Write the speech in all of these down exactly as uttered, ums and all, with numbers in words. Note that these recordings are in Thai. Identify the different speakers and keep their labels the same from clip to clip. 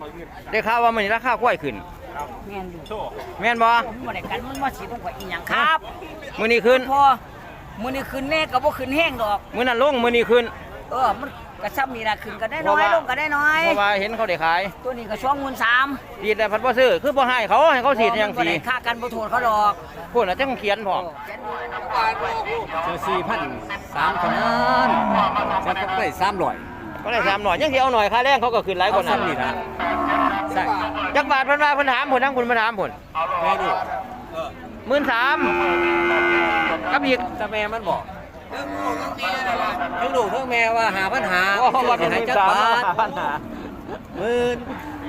Speaker 1: ได้ข่าวว่ามื้อนี้ราคาควายขึ้น
Speaker 2: แม่นอยู่
Speaker 1: แม่นบ่
Speaker 2: ผมบ่ได้กันมันมาสิต้องข่อยอีหยังครับ
Speaker 1: มื้อนี้ขึ้น
Speaker 2: พอมื้อนี้ขึ้นแน่ก็บ่ขึ้นแห้งดอก
Speaker 1: มื้อนั้นลงมื้อนี้ขึ้น
Speaker 2: เออมันกระซ้ำนี่ล่ะขึ้นก็ได้น้อยลงก็ได้น้อย
Speaker 1: เพราะว่าเห็นเขาได้ขาย
Speaker 2: ตัวนี้ก็สองหมื่นสาม
Speaker 1: ดีแต่พัดบ่ซื้อคือบ่ให้เขาให้เขาสีดจัง
Speaker 2: บ่
Speaker 1: สี
Speaker 2: ได้ค่ากันบ่โทษเขาดอก
Speaker 1: พุ่นน่ะจังเขียนพร้อม
Speaker 3: เจอสี่พันสามพันนั้นจะก็ได้สามร้อย
Speaker 1: ก็ได้สามหน่อยยังสิเอาหน่อยค่าแรงเขาก็ขึ้นหลายกว่านั้น
Speaker 3: นี่นะใช่
Speaker 1: จักบาทเพิ่นว่าเพิ่นถามพุ่นทั้งคุณมาถามพุ่น
Speaker 3: แม่ดู
Speaker 1: หมื่นสามกับอีก
Speaker 3: แต่แม่มันบอกทั้งลูกทั้งแม่ว่าหาปัญหา
Speaker 1: โอ้ว่าเป็นห
Speaker 3: หา
Speaker 1: มื่น
Speaker 3: จัก
Speaker 1: สาม
Speaker 3: บาท
Speaker 1: ปัญหา
Speaker 3: หมื่น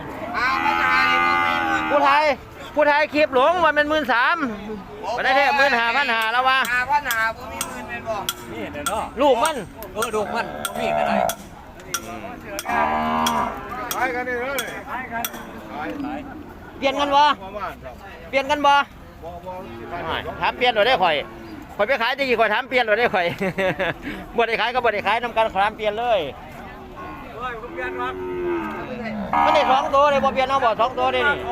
Speaker 1: ผู้ไทยผู้ไทยคลิปหลงว่ามันหมื่นสามบ่ได้แท้หมื่นห้าพันห้าแล้วว่า
Speaker 4: หาพันหาบ่มีหมื่นเป็นบ่
Speaker 3: นี่เด้อเนาะ
Speaker 1: ลูกมัน
Speaker 3: เออลูกมันมีอะไร
Speaker 4: ไปกันนี่เลยไปกัน
Speaker 1: เปลี่ยนกันบ่
Speaker 4: ประมาณครับ
Speaker 1: เปลี่ยนกันบ่
Speaker 4: บ่บ่
Speaker 1: ไม่ถามเปลี่ยนหน่อยได้ข่อยข่อยไปขายจะกี่ข่อยถามเปลี่ยนหน่อยได้ข่อย บ่ได้ขายก็บ่ได้ขายนำกันขอถามเปลี่ยนเลย
Speaker 4: เฮ้ยผมเปลี่ยนครับ
Speaker 1: มันได้สองตัวเลยบ่เปลี่ยนเอาบ่สองตัวได้นี่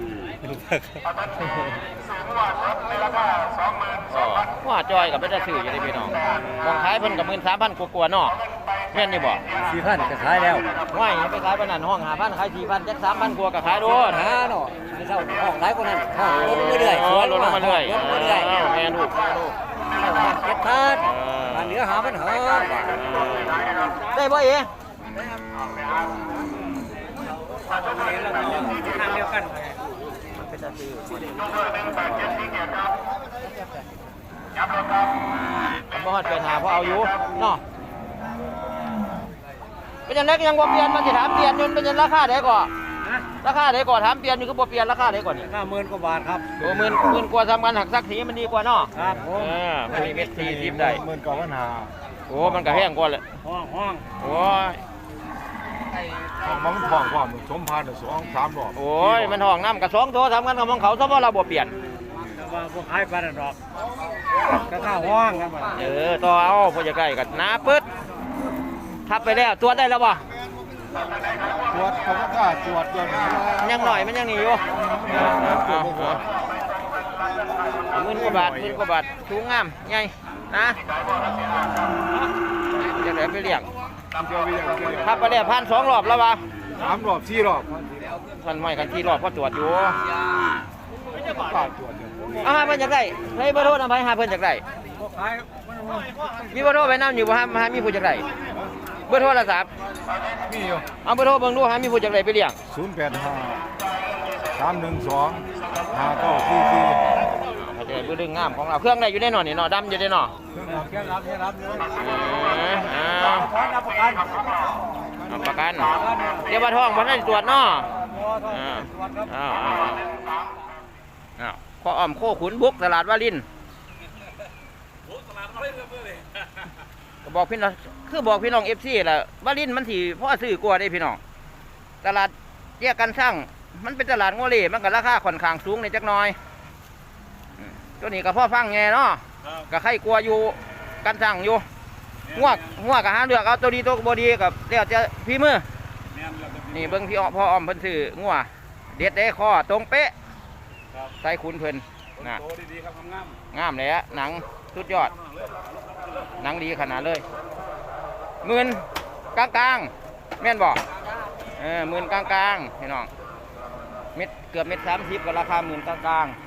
Speaker 1: ว่าจอยกับเป็นตาซื้ออยู่ได้พี่น้องมองขายเพิ่นกับหมื่นสามพันกว่าๆเนาะแม่นนี่บ่
Speaker 3: สี่พันก็ขายแล้ว
Speaker 1: ว่ายไปขายปานนั้นห้องห้าพันขายสี่พันจักสามพันกว่าก็ขายโดน
Speaker 3: หาเนาะไม่เท่าห้องหลายกว่านั้นห้องลดมาเรื่อยๆสวน
Speaker 1: ลดลงมาเรื่อย
Speaker 3: ลดมาเรื่อย
Speaker 1: แม่ลูกแม่ลูก
Speaker 3: ห้องเจ็ดพันอันเหลือหาปัญหา
Speaker 1: ได้บ่เอ๋
Speaker 3: ทางเดียวกัน
Speaker 1: เป็นตาซื้อผมบ่ฮอดไปหาเพราะเอาอยู่เนาะเป็นจังได๋ก็ยังบ่เปลี่ยนมันสิถามเปลี่ยนอยู่เป็นจังราคาใดก่อราคาใดก่อถามเปลี่ยนอยู่คือบ่เปลี่ยนราคาใดก่อนี่
Speaker 3: ห้าหมื่นกว่าบาทครับ
Speaker 1: โอ้หมื่นหมื่นกว่าทำกันหักสักสีมันดีกว่าเนาะ
Speaker 3: ครับผ
Speaker 1: เอ
Speaker 3: ม
Speaker 1: อมันมีเม็ดสี่สิบได้
Speaker 4: หมื่นกว่าปัญหา
Speaker 1: โอ้มันก็แห้งกว่าเลย
Speaker 3: ห้องห้อง
Speaker 1: โอ้ย
Speaker 4: มันท้องความสมพันธ์สองสามรอบ
Speaker 1: โอ้ยมันห้องน้ำกับสองตัวทำกันกับของเขาซะว่าเราบ่เปลี่ยน
Speaker 3: แต่ว่าพวกขายปลาดอกก็ข้าวห้องกันหมด
Speaker 1: เออต่อเอาพอจะใกล้กันน้าปึ๊ดทับไปแล้วตัวจได้แล้วบ่
Speaker 4: ตรวจเขาก็กล้าตรวจอยู่
Speaker 1: มันยังหน่อยมันยังหนีอยู่เอาเอาหมื่นกว่าบาทหมื่นกว่าบาทสูงงามใหญ่นะจะได้ไปเลี้ยง
Speaker 4: เจอไปอย่างเดียว
Speaker 1: ทับไปแล้วพันสองรอบแล้ววะ
Speaker 4: สามรอบสี่รอบ
Speaker 1: พันไม่กันที่รอบก็ตรวจอยู่
Speaker 4: กล้าตรวจอยู่
Speaker 1: เอาหาเพิ่นจากได้ให้เบอร์โทรนำไปหาเพิ่นจากได้
Speaker 3: พวกขาย
Speaker 1: มีเบอร์โทรไปนำอยู่บ่ฮะหามีผู้จากได้เบอร์โทรศัพท์
Speaker 4: มีอยู่
Speaker 1: เอาเบอร์โทรเบิ่งดูหามีผู้จากได้ไปเลี้ยง
Speaker 4: ศูนย์แปดห้าสามหนึ่งสองห้าเก้าสี่สี่
Speaker 1: เขาจะได้เบอร์ดึงงามของเราเครื่องได้อยู่ในหน่อนี่เนาะดำอยู่ในหน่อ
Speaker 3: เครื่องรับเครื่องรับเครื่องรับเลย
Speaker 1: เออเอา
Speaker 3: ขอรับประกัน
Speaker 1: เอาประกันเดี๋ยวว่าท้องบ่ได้ตรวจเนาะอ้าวอ้าวอ้าวอ้าวข้ออ้อมโคขุนบุกตลาดวารินก็บอกพี่น้องคือบอกพี่น้อง เอฟ ซี ล่ะวารินมันสิพอซื้อกว่าได้พี่น้องตลาดแยกกันสร้างมันเป็นตลาดงัวเล่มันก็ราคาค่อนข้างสูงในจักหน่อยอืมตัวนี้ก็พ่อฟังไงเนาะก็ใครกลัวอยู่กันสร้างอยู่งวกงวกก็หาเลือกเอาตัวดีตัวบ่ดีกับเดี๋ยวจะพี่มือนี่เบิ่งพี่อ้อพ่ออ้อมเพิ่นซื้องัวเด็ดได้คอตรงเป๊ะใส่ขุนเพิ่นนะ
Speaker 4: โตดีๆครับงาม
Speaker 1: งามเลยอะหนังสุดยอดหนังดีขนาดเลยหมื่นกลางกลางๆแม่นบอกเออหมื่นกลางกลางๆพี่น้องเม็ดเกือบเม็ดสามสิบก็ราคาหมื่นกลางกลาง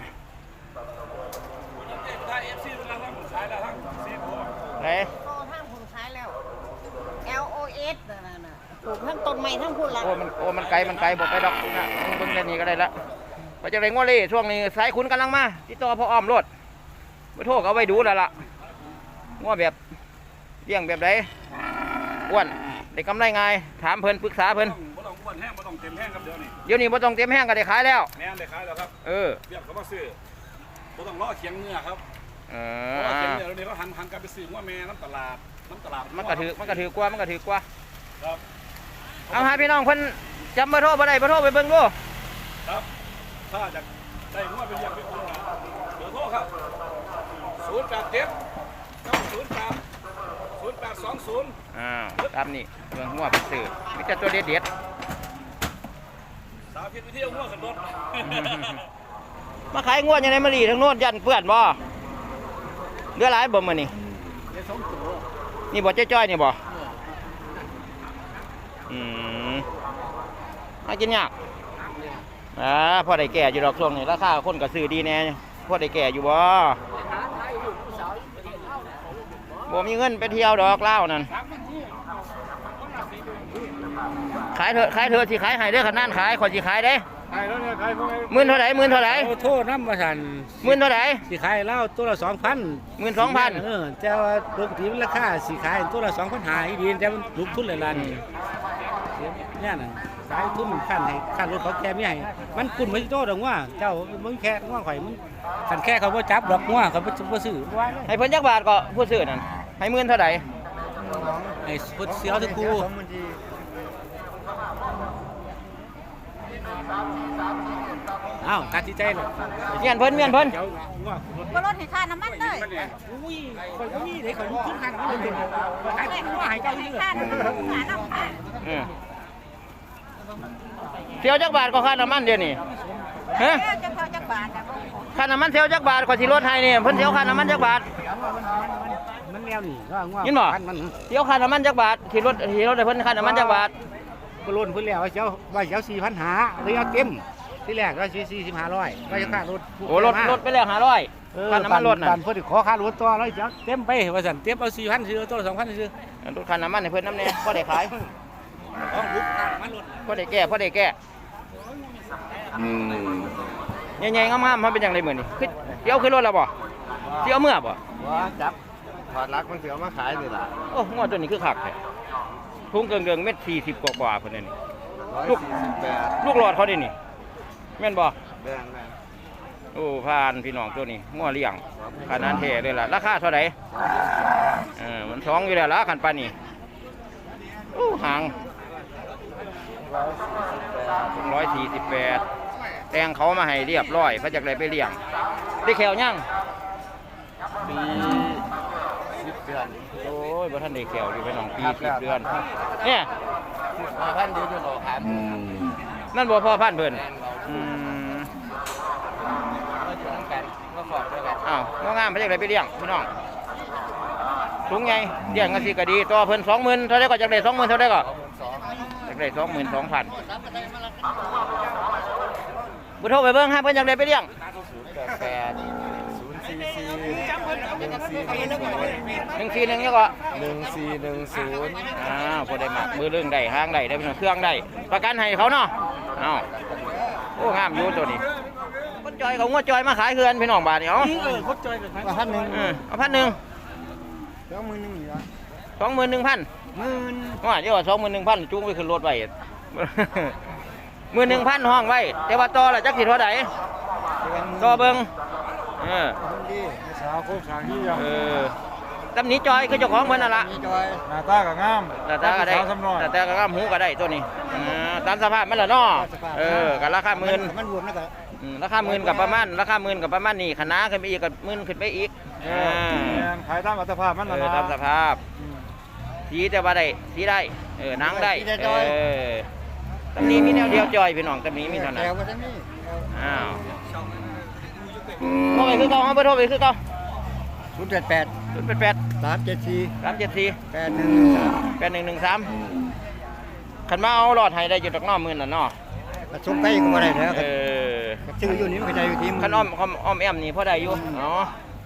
Speaker 1: ไหน
Speaker 2: โตทางผมใช้แล้ว L O S นั่นน่ะปลูกทั้งต้นไม้ทั้งพุ่นละ
Speaker 1: โอ้มันโอ้มันไกลมันไกลบอกไปดอกนะเบิ่งแค่นี้ก็ได้ละไปจากไหนง้อเล่ช่วงนี้สายขุนกำลังมาติดต่อพ่ออ้อมรถไปโทรเอาไว้ดูแล้วล่ะง้อแบบเลี้ยงแบบไหนอ้วนได้กำไรไงถามเพิ่นปรึกษาเพิ่น
Speaker 4: บ่ต้องอ้วนแห้งบ่ต้องเต็มแห้งครับเดี๋ยวนี้
Speaker 1: เดี๋ยวนี้บ่ต้องเต็มแห้งก็ได้ขายแล้ว
Speaker 4: แม่นได้ขายแล้วครับ
Speaker 1: เออ
Speaker 4: เรียกเขามาซื้อบ่ต้องรอเคียงเนื้อครับ
Speaker 1: เอ
Speaker 4: เพราะว่า
Speaker 1: อ
Speaker 4: เคียงเนื้อเดี๋ยวนี้เขาหันหันกันไปซื้อว่าแม่น้ำตลาดน้ำตลาด
Speaker 1: มันก็ถือมันก็ถือกว่ามันก็ถือกว่า
Speaker 4: ครับ
Speaker 1: เอาหาพี่น้องเพิ่นจำเบอร์โทรบ่ได้เบอร์โทรไปเบิ่งดู
Speaker 4: ครับถ้าจะได้งวดเป็นอย่างเป็นคนหาเบอร์โทรครับศูนย์แปดเจ็ดเก้าศูนย์แปดศูนย์แปดสองศูนย์
Speaker 1: อ้าวตามนี่เรื่องหัวเพิ่นซื้อมีแต่ตัวเด็ดๆ
Speaker 4: าธิตวิธีเอาหัวขึ้นรถ
Speaker 1: มาขายงวดยังไงมาลีทั้งโน้นยันเปื้อนบ่เรือหลายบ่มื้อนี่
Speaker 3: เดี๋ยวสองตัว
Speaker 1: นี่บ่จ้อยๆนี่บ่อืมมากินยากอ่าพอได้แก่อยู่ดอกช่วงนี้ราคาคนก็ซื้อดีแน่พอได้แก่อยู่บ่บ่มีเงินไปเที่ยวดอกเล่าวนั่นขายเถอะขายเถอะสิขายให้เด้อขนาดขายขอสิขายเด้
Speaker 3: ขายแล้วเนี่ยขายพวกไอ้
Speaker 1: หมื่นเท่าไหร่หมื่นเท่าไหร่
Speaker 3: โอ้โทษน้ำมาสั่น
Speaker 1: หมื่นเท่าไหร่
Speaker 3: สิขายเหล้าตัวละสองพัน
Speaker 1: หมื่นสองพัน
Speaker 3: เออแต่ว่าปกติมันราคาสิขายตัวละสองพันหาอีดีแต่มันลุกทุนเลยล่ะนี่เนี่ยน่ะขายทุนขั้นให้ขั้นรถเขาแก่ไม่ให้มันกุ่นไม่โตดอกว่าเจ้ามึงแค่ว่าข่อยมึงขันแค่เขาบ่จับดอกว่าเขาบ่ซื้อไว้เลย
Speaker 1: ให้เพิ่นจักบาทก็ผู้ซื้อนั่นให้หมื่นเท่าไหร่
Speaker 3: ไอ้พุทธเสียวตะกูอ้าวตัดสินใจเลย
Speaker 1: เมียนเพิ่นเมียนเพิ่น
Speaker 3: เจ้าว่า
Speaker 2: ก็ลดให้ค่าน้ำมันเลย
Speaker 3: อุ้ยข่อยบ่มีได้ข่อยมีทุนหันมันเป็นขายของว่าให้เจ้าอยู่
Speaker 2: ค่า
Speaker 3: เด้อ
Speaker 2: น้ำมันหาน้ำค่ะ
Speaker 1: อืมเสียวจักบาทก็ค่าน้ำมันเดี๋ยวนี้ฮะ
Speaker 2: เอ้าจะพอจักบาทอ่ะ
Speaker 1: ค่าน้ำมันเสียวจักบาทก็สิลดให้นี่เพิ่นเสียวค่าน้ำมันจักบาท
Speaker 3: มันแนวนี่ว่าว่า
Speaker 1: ยินบ่
Speaker 3: พันมัน
Speaker 1: เสียวค่าน้ำมันจักบาทสิลดสิลดให้เพิ่นค่าน้ำมันจักบาท
Speaker 3: ก็ล้นเพิ่นแล้วว่าเจ้าว่าเจ้าสี่พันหาเลยเอาเต็มที่แรกว่าสี่สี่สิบห้าร้อยว่าจะค่ารถ
Speaker 1: โอ้ลดลดไปแล้วห้าร้อย
Speaker 3: เออ
Speaker 1: ค่าน้ำมันลดน่ะ
Speaker 3: ปันเพิ่นขอค่ารถตัวร้อยเจ้าเต็มไปว่าสั่นเต็มเอาสี่พันซื้อตัวละสองพันซื้อ
Speaker 1: ลดค่าน้ำมันให้เพิ่นน้ำแน่พอได้ขาย
Speaker 3: ต้องลุกค่าน้ำมันลด
Speaker 1: พอได้แก้พอได้แก้ใหญ่ๆงามๆมันเป็นจังไดมื้อนี้คือเดี๋ยวขึ้นรถแล้วบ่สิเอาเมื่อบ่
Speaker 3: ว่าจับถอดลักมันเสียมาขายนี่ล่ะ
Speaker 1: โอ้งวดตัวนี้คือคักแท้ถุงเกิงๆเม็ดสี่สิบกว่าๆเพิ่นนี่
Speaker 3: ร้อยสี่สิบแปด
Speaker 1: ลูกหลอดเขาดินี่แม่นบ่
Speaker 3: แบงแบง
Speaker 1: โอ้ผ่านพี่น้องตัวนี้งัวเลี้ยงขนาดแท้เลยล่ะราคาเท่าไหร่เออมันสองอยู่แล้วล่ะคันปานนี้โอ้หางร้อยสี่สิบแปดแต่งเขามาให้เรียบร้อยพระจักได้ไปเลี้ยงได้แขวยัง
Speaker 3: ปีสิบเดือน
Speaker 1: โอ้ยบ่ทันได้แขวอยู่พี่น้องปีสิบเดือนเนี่ย
Speaker 3: มาพันเดียวจนออกครับ
Speaker 1: นั่นบ่พ่อพันธุ์เพิ่นอืม
Speaker 3: ก็อยู่ทั้งกันก็ฟอดด้วยกัน
Speaker 1: อ้าวบ่งามพระจักได้ไปเลี้ยงพี่น้องถุงใหญ่เลี้ยงกันสิก็ดีตัวเพิ่นสองหมื่นเท่าไดก็จักได้สองหมื่นเท่าไดก็
Speaker 3: สอง
Speaker 1: อยากได้สองหมื่นสองพันบุโทรไปเบิ้งฮะเพิ่นอยากได้ไปเลี้ยง
Speaker 3: แปดศูนย์สี่สี่หนึ่งสี่
Speaker 1: หนึ่งสี่หนึ่งเนี่ยก็
Speaker 3: หนึ่งสี่หนึ่งศูนย์
Speaker 1: อ้าวพอได้หมักมือเรื่องได้ห้างได้ได้เป็นเครื่องได้ประกันให้เขาเนาะอ้าวโอ้งามอยู่ตัวนี้คนจอยเขางวดจอยมาขายเคือนพี่น้องบาทเนี่ยเอา
Speaker 3: เออคดจอยกันพันหนึ่ง
Speaker 1: เออเอาพันหนึ่ง
Speaker 3: สองหมื่นหนึ่งเหรอ
Speaker 1: สองหมื่นหนึ่งพัน
Speaker 3: หมื่น
Speaker 1: ว่าเดี๋ยวสองหมื่นหนึ่งพันจูงไปขึ้นรถไว้ หมื่นหนึ่งพันห้องไว้แต่ว่าต่อละจักสิเท่าไหร่ต่อเบิ้งเออ
Speaker 3: ดีสาวโคกสางนี่ยัง
Speaker 1: เออตำหนิจอยคือเจ้าของเพิ่นนั่นล่ะ
Speaker 3: มีจอยหน้าตากับงาม
Speaker 1: แต่แต่ก็ได้
Speaker 3: สาวสำนอย
Speaker 1: แต่แต่ก็งามหูก็ได้ตัวนี้อ่าตามสภาพมันละเนาะเออกับราคาหมื่น
Speaker 3: มันรวมแล้วก็
Speaker 1: อืมราคาหมื่นกับประมาณราคาหมื่นกับประมาณนี้คณะขึ้นไปอีกกับหมื่นขึ้นไปอีกอ่า
Speaker 3: ขายตามอัตภาพมัน
Speaker 1: เอ
Speaker 3: นะ
Speaker 1: อตามสภาพสีแต่ว่าได้สีได้เออหนังได้เออตำหนี้มีแนวเดียวจอยพี่น้องตำหนี้มีเท่านั้น
Speaker 3: แถวก็ทั้งนี้
Speaker 1: อ้าวโทรไปคือเก่าเอาไปโทรไปคือเก่า
Speaker 3: ศูนย์แปดแปด
Speaker 1: ศูนย์แปดแปด
Speaker 3: สามเจ็ดสี่
Speaker 1: สามเจ็ดสี่
Speaker 3: แปดหนึ่งหนึ่งสาม
Speaker 1: แปดหนึ่งหนึ่งสามขันมาเอาหลอดให้ได้อยู่ตักน้อหมื่นน่ะเนาะ
Speaker 3: ผสมไก่ก็ไม่ได้แล้ว
Speaker 1: เออ
Speaker 3: ชื่ออยู่นี่มันก็ได้อยู่ที่
Speaker 1: ขันอ้อมอ้อมอ้อมแอมนี่พอได้อยู่เนาะ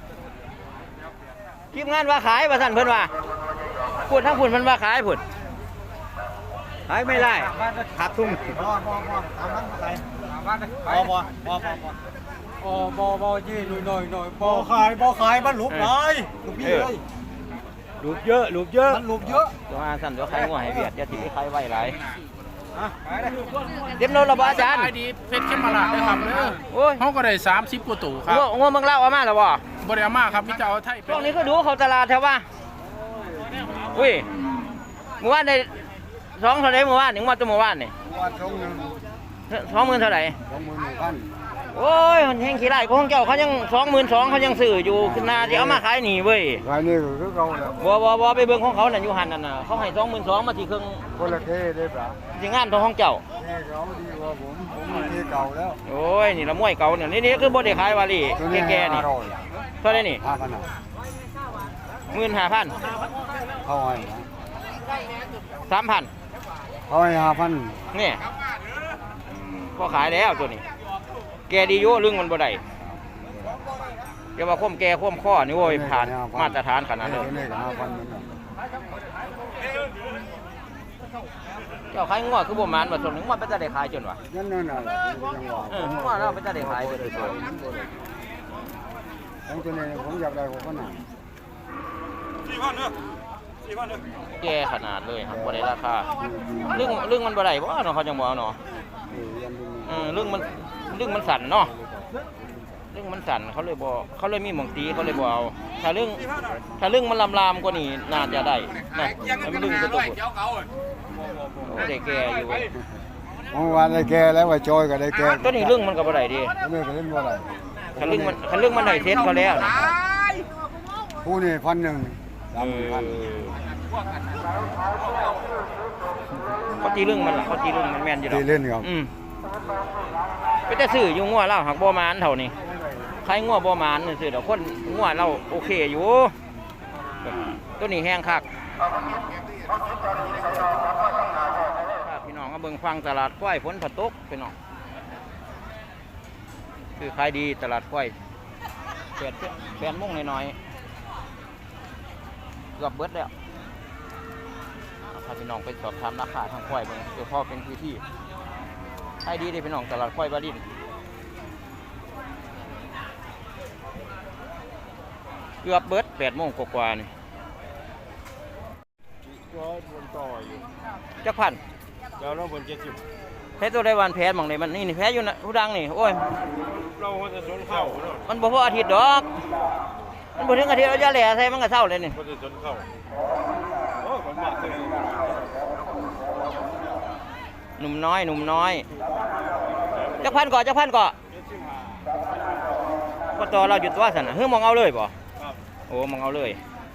Speaker 1: ทีมงานว่าขายว่าสั่นเพิ่นว่าพูดทั้งพูดเพิ่นว่าขายพูดขายไม่ได้ขาดทุน
Speaker 3: บ่บ่บ่ตามนั้นไปบ่บ่บ่บ่บ่อ๋อบ่บ่ยี่หน่อยหน่อยหน่อยบ่ขายบ่ขายมันหลุบหลายหลุบพี่เลยหลุบเยอะหลุบเยอะมันหลุบเยอะ
Speaker 1: ตัวอาสั่นตัวขายงัวให้เวียดอย่าที่ไปขายไว้หลายเต็มโลละบ่อาจารย์
Speaker 5: ขายดีเพชรเข้มมาลาดเลยครับเด้อ
Speaker 1: โอ้ย
Speaker 5: เขาก็ได้สามสิบกว่าตู้ครับ
Speaker 1: งัวงัวเมืองเล่าวเอามาแล้วบ่
Speaker 5: บริอามาครับพี่เจ้าไทยเป็
Speaker 1: ช่วงนี้ก็ดูเขาตลาดแถวว่าอุ้ยเมื่อวานได้สองเท่าไรเมื่อวานหนึ่งวันตัวเมื่อวานนี่
Speaker 3: วันสองหนึ่ง
Speaker 1: สองหมื่นเท่าไหร่
Speaker 3: สองหมื่นหนึ่งพัน
Speaker 1: โอ้ยมันแห้งขี้ไร่ของเจ้าเขายังสองหมื่นสองเขายังซื้ออยู่ขึ้นนาที่เอามาขายหนีเว้ย
Speaker 6: รายนี้ก็คือเขาแหละ
Speaker 1: บ่บ่บ่ไปเบิ่งของเขานั่นอยู่หันนั่นน่ะเขาให้สองหมื่นสองมาที่เครื่อง
Speaker 6: คนละเท่ได้ปะ
Speaker 1: ที่งานของของเจ้า
Speaker 6: เท่เขาดีกว่าผมผมมีเท่เก่าแล้ว
Speaker 1: โอ้ยนี่ละมวยเก่าเนี่ยนี่นี่คือบ่ได้ขายวาลี
Speaker 6: ตัวนี้
Speaker 1: แก่ๆนี่
Speaker 6: ห้าร้อย
Speaker 1: เท่าไหร่นี่
Speaker 6: ห้าพันอ่ะ
Speaker 1: หมื่นห้าพัน
Speaker 6: เขาให้นะ
Speaker 1: สามพัน
Speaker 6: เขาให้ห้าพัน
Speaker 1: นี่พอขายแล้วตัวนี้ แกดีอยู่ลึงมันบ่ได้เดี๋ยวว่าคมแกคมข้อนี่โว้ยผ่านมาตรฐานขนาดเลย
Speaker 6: ตัวนี้ก็ห้าพันเหมือนกัน
Speaker 1: เจ้าขายงัวคือบ่หมานว่าส่วนหนึงมันเป็นจะได้ขายจนวะ
Speaker 6: นั่นนั่นน่ะผมยังว่า
Speaker 1: เอองัวเราเป็นจะได้ขายจนเลย
Speaker 6: ของตัวนี้ผมอยากได้หกพันอ่ะ
Speaker 4: สี่พันเด้อสี่พันเด้อ
Speaker 1: แกขนาดเลยครับบ่ได้ราคาลึงลึงมันบ่ได้บ่เนาะเขาจังบ่เอาเนาะ
Speaker 6: เออยันดู
Speaker 1: เออลึงมันลึงมันสั่นเนาะลึงมันสั่นเขาเลยบ่เขาเลยมีหม่องตีเขาเลยบ่เอาถ้าลึงถ้าลึงมันลามๆกว่านี้น่าจะได้นะมันลึงตัวตัวโอ้ได้แกอยู่เว้ย
Speaker 6: เมื่อวานได้แก่แล้วว่าจอยก็ได้แก่
Speaker 1: ตัวนี้ลึงมันก็บ่ได้ดิ
Speaker 6: ตัวนี้ก็เล่นบ่ได้
Speaker 1: คันลึงมันคันลึงมันได้เซ็ตเขาแล้วนะ
Speaker 6: ผู้นี่พันหนึ่งสาม
Speaker 1: เออ
Speaker 6: พัน
Speaker 1: เขาตีลึงมันล่ะเขาตีลึงมันแม่นอยู่ดอก
Speaker 6: ที่เล่นครับ
Speaker 1: อืมไปแต่ซื้ออยู่งัวเราหักบ่หมานเท่านี้ใครงัวบ่หมานนี่ซื้อดอกคนงัวเราโอเคอยู่ตัวนี้แห้งคักพี่น้องก็เบิ่งฟังตลาดควายฝนผตกพี่น้องคือขายดีตลาดควายแปดแปดโมงหน่อยๆเกือบเบิดแล้วถ้าพี่น้องไปสอบถามราคาทางควายเบิ่งเดี๋ยวพ่อเป็นพื้นที่ขายดีเด้พี่น้องตลาดควายบาดินเกือบเบิดแปดโมงกว่าๆนี่
Speaker 6: ร้อยบนต่ออยู่
Speaker 1: จักพัน
Speaker 6: แล้วเราบนเจ็ดสิบ
Speaker 1: แพ้ตัวได้วันแพ้หมองไหนมันนี่นี่แพ้อยู่นะผู้ดังนี่โอ้ย
Speaker 6: เราจะชนเข้าเนาะ
Speaker 1: มันบ่พออาทิตย์ดอกมันบ่ถึงอาทิตย์เอาจะแหล่ใส่มันก็เศร้าเลยนี่
Speaker 6: ก็จะชนเข้าโอ้ผมมากเลย
Speaker 1: หนุ่มน้อยหนุ่มน้อยจักพันก่อนจักพันก่อนก็ต่อเราหยุดตัวสั่นน่ะเฮ้ยมองเอาเลยบ่โอ้มองเอาเลย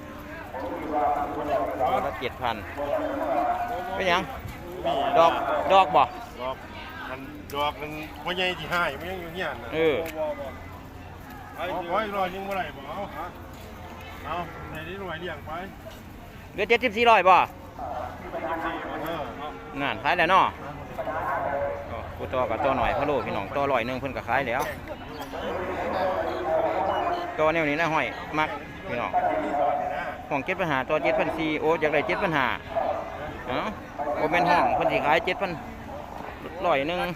Speaker 1: ละเจ็ดพันเป็นหยังดอกดอกบ่
Speaker 7: ดอกมันดอกมันบ่ใหญ่ที่ห้ายมันยังอยู่เฮียนน่ะ
Speaker 1: เออ
Speaker 7: เอาไว้รอยังบ่ได้บ่เอาเอาในนี้หน่วยเลี้ยงไป
Speaker 1: เหลือเจ็ดสิบสี่ร้อยบ่
Speaker 7: เออ
Speaker 1: นั่นขายแล้วเนาะโอ้กูต่อกับต่อหน่อยพะโลพี่น้องต่อร้อยหนึงเพิ่นก็ขายแล้วต่อแนวนี้นะห้อยมักพี่น้องห้องเจ็ดปัญหาต่อเจ็ดพันสี่โอ้อยากได้เจ็ดปัญหาเอ้าโอเป็นห้องเพิ่นสิขายเจ็ดพันร้อยหนึง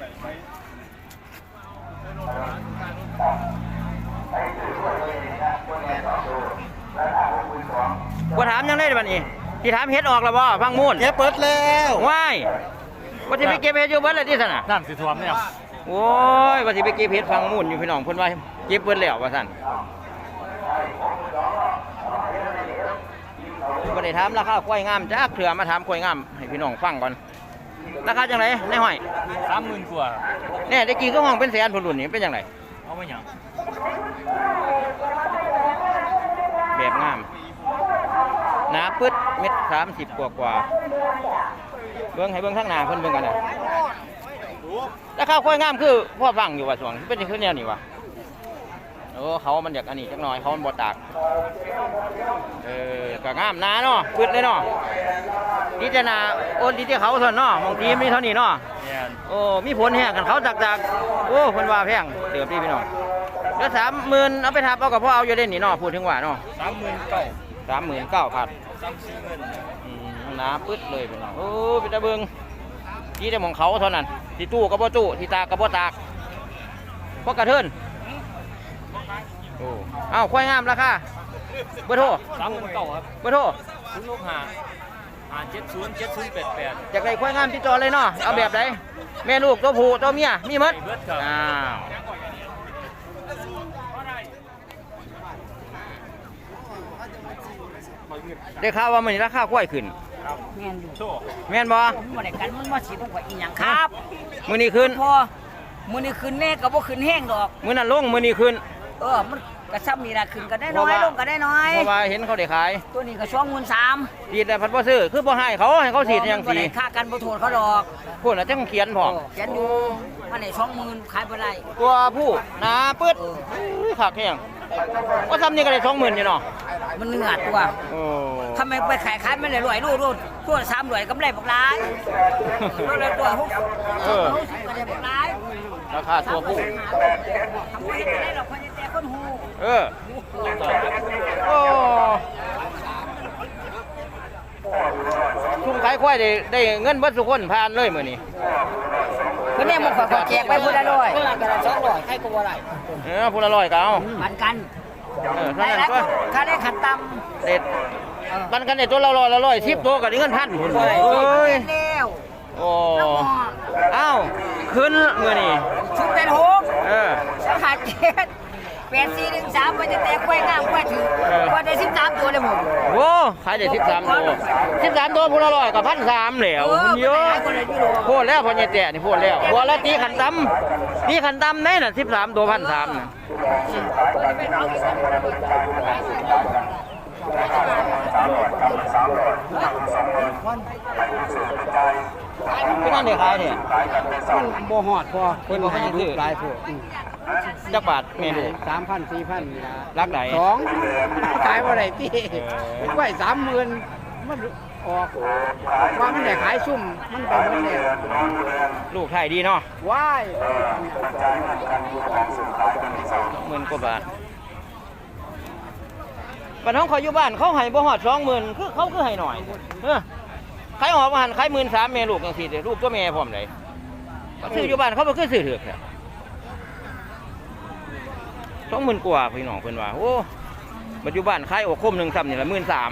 Speaker 1: ว่าถามยังได้บัดนี้ที่ถามเฮ็ดออกแล้วบ่ฟังมูล
Speaker 3: เก็บเปิดแล้ว
Speaker 1: ว้ายว่าสิไปเก็บเฮ็ดอยู่เบิดเลยที่ซั่นน่ะ
Speaker 3: น้ำสิท่วมเนี่ย
Speaker 1: โอ้ยว่าสิไปเก็บเฮ็ดฟังมูลอยู่พี่น้องเพิ่นว่าเก็บเบิดแล้วว่าซั่นบ่ได้ถามราคาควายงามจักเถื่อมาถามควายงามให้พี่น้องฟังก่อนราคาจังไดในห้อย
Speaker 3: สามหมื่นกว่า
Speaker 1: แน่ตะกี้ก็ห้องเป็นแสนพุ่นรุ่นนี่เป็นจังได
Speaker 3: เอาไปหยัง
Speaker 1: แบบงามหนาปึ๊ดเม็ดสามสิบกว่ากว่าเบิ่งให้เบิ่งทางหน้าเพิ่นเบิ่งกันน่ะราคาควายงามคือพ่อฟังอยู่ว่าสวงเป็นคือแนวนี้วะโอ้เขามันอยากอันนี้จักหน่อยเขามันบ่ตากเออก็งามหนาเนาะปึ๊ดเลยเนาะดีแต่หนาโอนดีแต่เขาเท่านั้นเนาะบางทีมีเท่านี้เนาะ
Speaker 3: เนี่ย
Speaker 1: โอ้มีผลแห้งกันเขาจากจากโอ้เพิ่นว่าแพงเติบพี่พี่น้องแล้วสามหมื่นเอาไปทับเอากับพ่อเอาอยู่เด่นนี่เนาะพูดถึงว่าเนาะ
Speaker 3: สามหมื่นเก้า
Speaker 1: สามหมื่นเก้าพัน
Speaker 3: สามสี่หมื่น
Speaker 1: หนาปึ๊ดเลยพี่น้องโอ้เป็นตะเบิงที่แต่ของเขาเท่านั้นที่ตู้กับบ่ตู้ที่ตากกับบ่ตากพวกกระเทินโอ้เอ้าควายงามราคาเบอร์โทร
Speaker 3: สามหมื่นเก้าครับ
Speaker 1: เบอร์โทร
Speaker 3: ศูนย์หกห้าห้าเจ็ดศูนย์เจ็ดศูนย์แปดแปด
Speaker 1: จากไรควายงามที่จอเลยเนาะเอาแบบไหนแม่ลูกตัวผู้ตัวเมียมีหมด
Speaker 3: เบิดครับ
Speaker 1: อ้าวได้ข่าวว่ามันนี้ราคาควายขึ้น
Speaker 2: แม่นอยู่
Speaker 3: โชว์
Speaker 1: แม่นบ่
Speaker 2: ผมบ่ได้กันมันบ่สิต้องกว่าอีหยังครับ
Speaker 1: มื้อนี้ขึ้น
Speaker 2: พอมื้อนี้ขึ้นแน่ก็บ่ขึ้นแห้งดอก
Speaker 1: มื้อนั้นลงมื้อนี้ขึ้น
Speaker 2: เออมันก็ซ้ำนี่ล่ะขึ้นก็ได้น้อยลงก็ได้น้อย
Speaker 1: เพราะว่าเห็นเขาได้ขาย
Speaker 2: ตัวนี้ก็สองหมื่นสาม
Speaker 1: สีดแต่พัดบ่ซื้อคือบ่ให้เขาให้เขาสีดอย่าง
Speaker 2: บ่
Speaker 1: สี
Speaker 2: ได้ค่ากันบ่โทษเขาดอก
Speaker 1: พูดน่ะจังเขียนพร้อม
Speaker 2: เขียนอยู่มันได้สองหมื่นขายบ่ได้
Speaker 1: ตัวผู้หนาปึ๊ดอุ้ยคักแฮงว่าซ้ำนี่ก็ได้สองหมื่นอยู่เนาะ
Speaker 2: มันเนื้อตัว
Speaker 1: โอ้
Speaker 2: ทำไมไปขายขายมันได้รวยรูดรูดตัวสามรวยกำไรบักหลายตัวละตัวหก
Speaker 1: เออ
Speaker 2: หกสิบก็ได้บักหลาย
Speaker 1: ราคาตัวผู้
Speaker 2: ทำไมจะได้ดอกคนจะแต่คนหู
Speaker 1: เออโอ้ชุ่มขายควายได้ได้เงินเบิดทุกคนผ่านเลยมื้อนี้
Speaker 2: เพิ่นเนี่ยมันขอแจกไปผู้ละร้อยก็ละสองร้อยใครก็บ่ได้
Speaker 1: เออผู้ละร้อยก็เอา
Speaker 2: ปันกัน
Speaker 1: เออ
Speaker 2: ได้
Speaker 1: เท่านั้น
Speaker 2: แล้ว
Speaker 1: ก็
Speaker 2: ค่าได้ขันต่
Speaker 1: เด็ดปันกันได้ตัวละร้อยละร้อยสิบตัวก็ได้เงินพันพุ่น
Speaker 2: ำ
Speaker 1: เอ้ย
Speaker 2: แล้ว
Speaker 1: โอ้เอ้าขึ้นมื้อนี้
Speaker 2: ชุดเป็นหก
Speaker 1: เออ
Speaker 2: สหัสเจ็ดแปดสี่หนึ่งสามมันจะแตกกล้วยงามกล้วยถือ
Speaker 1: เออ
Speaker 2: กล้วยได้สิบสามตัวเลยผม
Speaker 1: โว้ขายได้สิบสามตัวสิบสามตัวพูละร้อยกับพันสามแล้วคุณเยอะพูดแล้วพอเนี่ยแตะนี่พูดแล้วพูดแล้วตีขันตำตีขันตำได้น่ะสิบสามตัวพันสามน่ะพี่นั่นเดี๋ยวขายเนี่ย
Speaker 3: มันบ่ฮอดพอเพิ่นให้ดูหลายพวก
Speaker 1: จักบาทเมนู
Speaker 3: สามพันสี่พันนี่ล่ะ
Speaker 1: รักไหน
Speaker 3: สองขายบ่ได้ติไว้สามหมื่นมันออกว่ามันได้ขายซุ่มมันไปหมดแล้ว
Speaker 1: ลูกไทยดีเนาะ
Speaker 3: ว้าย
Speaker 1: หมื่นกว่าบาทปัญหาเขาอยู่บ้านเขาให้บ่ฮอดสองหมื่นคือเขาคือให้หน่อยเออขายออกมาหันขายหมื่นสามแม่ลูกจังซี่เด้อลูกตัวแม่พร้อมเลยเขาซื้ออยู่บ้านเขาบ่คือซื้อเถือกแท้สองหมื่นกว่าพี่น้องเพิ่นว่าโอ้ปัจจุบันขายออกคมหนึ่งซ้ำนี่ละหมื่นสาม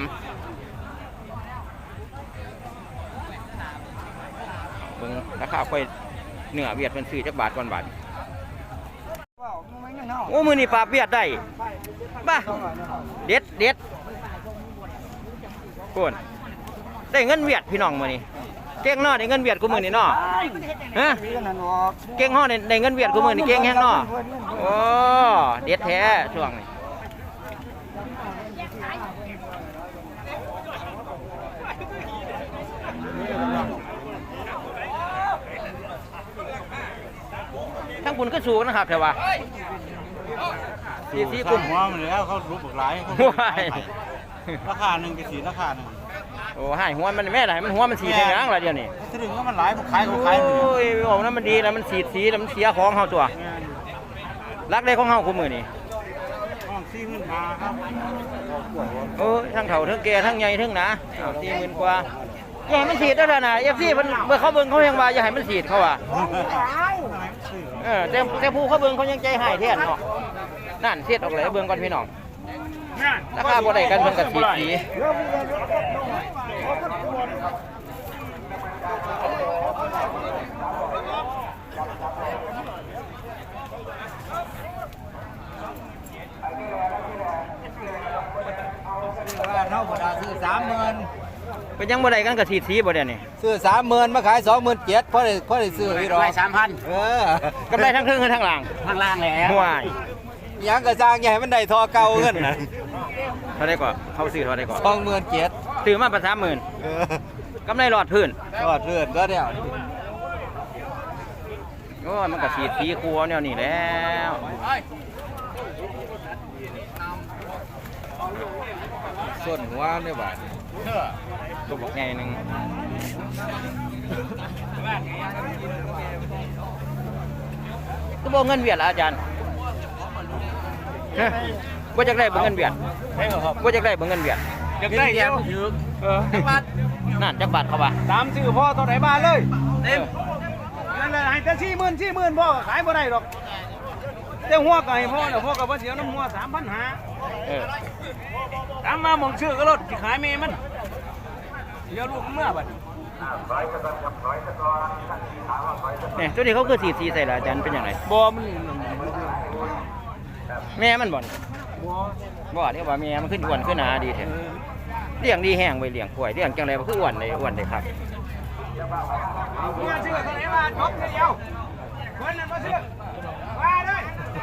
Speaker 1: เบิ่งราคาค่อยเนื้อเวียดเพิ่นซื้อจักบาทก่อนบาทโอ้มื้อนี้ปลาเวียดได้บ้าเด็ดเด็ดโคนได้เงินเวียดพี่น้องมื้อนี้เก่งเนาะได้เงินเวียดกูมื้อนี้เนาะฮะเก่งเฮาได้ได้เงินเวียดกูมื้อนี้เก่งแฮงเนาะโอ้เด็ดแท้ช่วงนี้ทั้งบุญก็สูงนะครับแต่ว่าสีสีกุ่ม
Speaker 7: หัวมันแล้วเขารูปหลายเขา
Speaker 1: ว้าย
Speaker 7: ราคาหนึ่งกับสีราคาหนึ่ง
Speaker 1: โอ้ให้หัวมันแม่ไหนมันหัวมันสีแดงละเดี๋ยวนี้
Speaker 7: ถ้าถึงก็มันหลายขายเขาขาย
Speaker 1: โอ้ยบอกนั้นมันดีแล้วมันสีสีแล้วมันเสียของเฮาตัวรักได้ของเฮาคู่มือนี่
Speaker 7: ห้องสี่หมื่นห้าครับ
Speaker 1: โอ้ยทั้งเฒ่าทั้งแก่ทั้งใหญ่ทั้งหนาอ้าวสี่หมื่นกว่าอย่าให้มันสีดได้แล้วนะเอฟซีมันเมื่อเขาเบิ่งเขายังว่าอย่าให้มันสีดเขาว่าเออแต่แต่ผู้เขาเบิ่งเขายังใจหายแท้เนาะนั่นเสียดออกเลยเบิ่งก่อนพี่น้องราคาบ่ได้กันเพิ่นก็สีดสี
Speaker 3: เท่าบ่ได้ซื้อสามหมื่น
Speaker 1: เป็นยังบ่ได้กันก็สีดสีบ่เดี๋ยวนี้
Speaker 3: ซื้อสามหมื่นมาขายสองหมื่นเจ็ดพอได้พอได้ซื้ออีดอก
Speaker 2: ได้สามพัน
Speaker 3: เออก
Speaker 1: ำไรทั้งครึ่งทั้งหลัง
Speaker 2: ข้างล่างแล้ว
Speaker 1: ห่วย
Speaker 3: หยังก็สร้างใหญ่มันได้ทอเก่าเงินน่ะ
Speaker 1: เท่าได้ก่อนเขาซื้อเท่าได้ก่อน
Speaker 3: สองหมื่นเจ็ด
Speaker 1: ซื้อมาประสามหมื่น
Speaker 3: เออก
Speaker 1: ำไรหลอดพื้น
Speaker 3: ก็เลื่อนก็เดียว
Speaker 1: โอ้ยมันก็สีดสีครัวแนวนี้แล้ว
Speaker 3: ส่วนหัวเนี่ยบาท
Speaker 1: ตัวบอกไงหนึ่งก็บอกเงินเวียดละอาจารย์ฮะว่าจะได้บ่เงินเวียดว่าจะได้บ่เงินเวียด
Speaker 7: อยากได้เดียว
Speaker 1: เออจักบาทนั่นจักบาทเขาว่า
Speaker 7: สามซื้อพ่อตัวไหนมาเลยเต็มนั่นแหละให้แต่สี่หมื่นสี่หมื่นพ่อขายบ่ได้หรอกแต่หัวก็ให้พ่อเดี๋ยวพ่อก็บ่เสียน้ำหัวสามพันห้า
Speaker 1: เออ
Speaker 7: ตามมาหมองชื่อก็รถที่ขายเมมันเดี๋ยวลูกเมื่อบัด
Speaker 1: เนี่ยตัวนี้เขาคือสีสีใส่ละอาจารย์เป็นอย่างไร
Speaker 7: บ่มัน
Speaker 1: แม่มันบ่น
Speaker 7: บ่
Speaker 1: บ่เรียกว่าแม่มันขึ้นอ้วนขึ้นหนาดีแท้เลี้ยงดีแห้งไว้เลี้ยงกล้วยเลี้ยงจังไรมันคืออ้วนเลยอ้วนเลยครับ
Speaker 7: เมื่อชื่อตัวไหนมาจบเดียวคนนั้นมาเชื่อมาเลย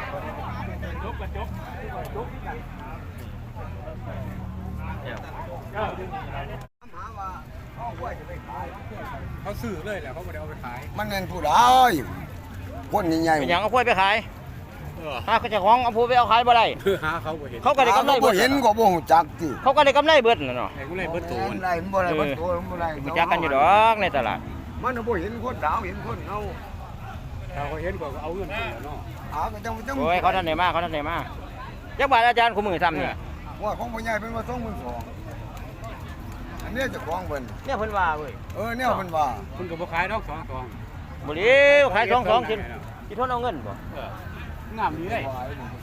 Speaker 3: เขาซื้อเลยแหละเขาไม่ได้เอาไปขาย
Speaker 8: มันเงินผู้ใดคนใหญ่
Speaker 1: เป็นหยังเอาพวยไปขายหาเจ้าของเอาพวยไปเอาขายบ่ได้
Speaker 3: คือหาเขาบ่เห็น
Speaker 1: เขาก็ได้กำไร
Speaker 8: บ่
Speaker 1: เบิด
Speaker 8: เห็นก็บ่ฮู้จักติ
Speaker 1: เขาก็ได้กำไรเบิดน่ะเนาะ
Speaker 3: ไอ้กูเลยเบิดตูน
Speaker 8: ไรมันบ่ได้บ่ตัวมันบ่ได้
Speaker 1: รู้จักกันอยู่ดอกในตลาด
Speaker 8: มันบ่เห็นคนดาวเห็นคนเอา
Speaker 3: ถ้าเขาเห็นก็เอาเงินขึ้นเนาะ
Speaker 8: หาก็จังจัง
Speaker 1: โอ้ยเขาท่านได้มาเขาท่านได้มาจักบาทอาจารย์คู่มือซ้ำเนี่ย
Speaker 8: ว่าของพ่อใหญ่เป็นว่าสองหมื่นสองอันนี้เจ้าของเพิ่น
Speaker 1: เนี่ยเพิ่นว่าเว้ย
Speaker 8: เออเนี่ยเพิ่นว่า
Speaker 3: คุณก็บ่ขายดอกสองสอง
Speaker 1: บ่เลี้ยวขายสองสองสิสิทนเอาเงินบ่
Speaker 3: งามดีเลย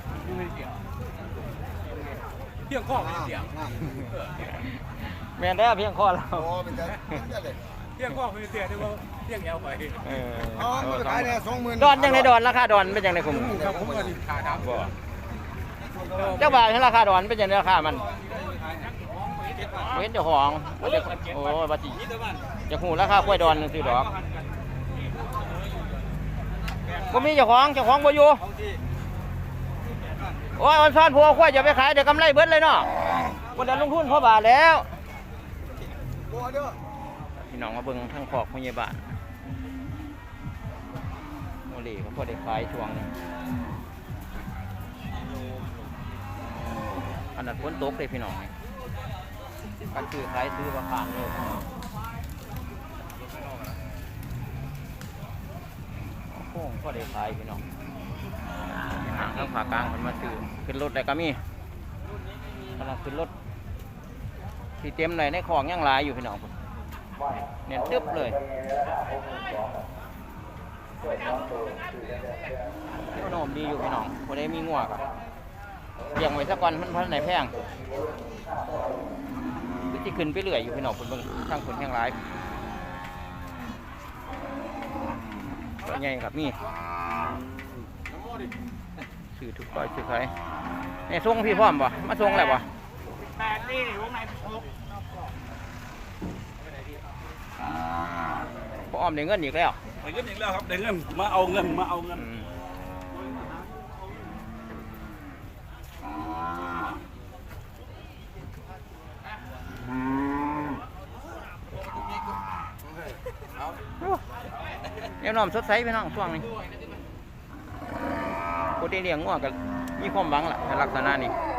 Speaker 3: เพียงข้อไม่เสีย
Speaker 1: แม่นแล้วเพียงข้อเรา
Speaker 8: โอ้เป็นจังเป็นจังเลย
Speaker 3: เพียงข้อไม่เสียได้ว่าเพียงแอลไป
Speaker 1: เออ
Speaker 8: อ๋อมันขายได้สองหมื่น
Speaker 1: ดอนจังไดดอนราคาดอนเป็นจังไดคู่มือ
Speaker 3: ครับผมก็ขาดครับ
Speaker 1: บ่จักบาทให้ราคาดอนเป็นจังไดราคามันเว้นเจ้าของบ่ได้โอ้ยบ่สิอยากฮู้ราคากล้วยดอนซื่อดอกบ่มีเจ้าของเจ้าของบ่อยู่โอ้ยวันซ้อนผัวควายจะไปขายเดี๋ยวกำไรเบิดเลยเนาะบ่ได้ลงทุนเพราะบาทแล้วพี่น้องมาเบิ่งทางขอกพยาบาลโมลีเขาพอได้ขายช่วงนึงขนาดฝนตกเลยพี่น้องการซื้อขายซื้อราคาเลยโอ้โหพอได้ขายพี่น้องห่างทางภาคกลางมันมาซื้อขึ้นรถได้ก็มีขนาดขึ้นรถที่เต็มเลยในของยังหลายอยู่พี่น้องเนี่ยตึ๊บเลยขนมดีอยู่พี่น้องคนได้มีงัวกับเลี้ยงไว้สักก่อนมันพันไหนแพงที่ขึ้นไปเรื่อยอยู่พี่น้องคนเบิ่งทางคนแห้งหลายตัวใหญ่ครับนี่ซื้อทุกร้อยซื้อใครเนี่ยส่งพี่พร้อมป่ะมาส่งอะไรป่ะแปดนี่วงไหนหกพออ้อมได้เงินอีกแล้ว
Speaker 4: ได้เงินอีกแล้วครับได้เงินมาเอาเงินมาเอาเงิน
Speaker 1: เดี๋ยวน้อมสดใสพี่น้องช่วงนี้ปกติเลี้ยงงัวก็มีความหวังล่ะในลักษณะนี้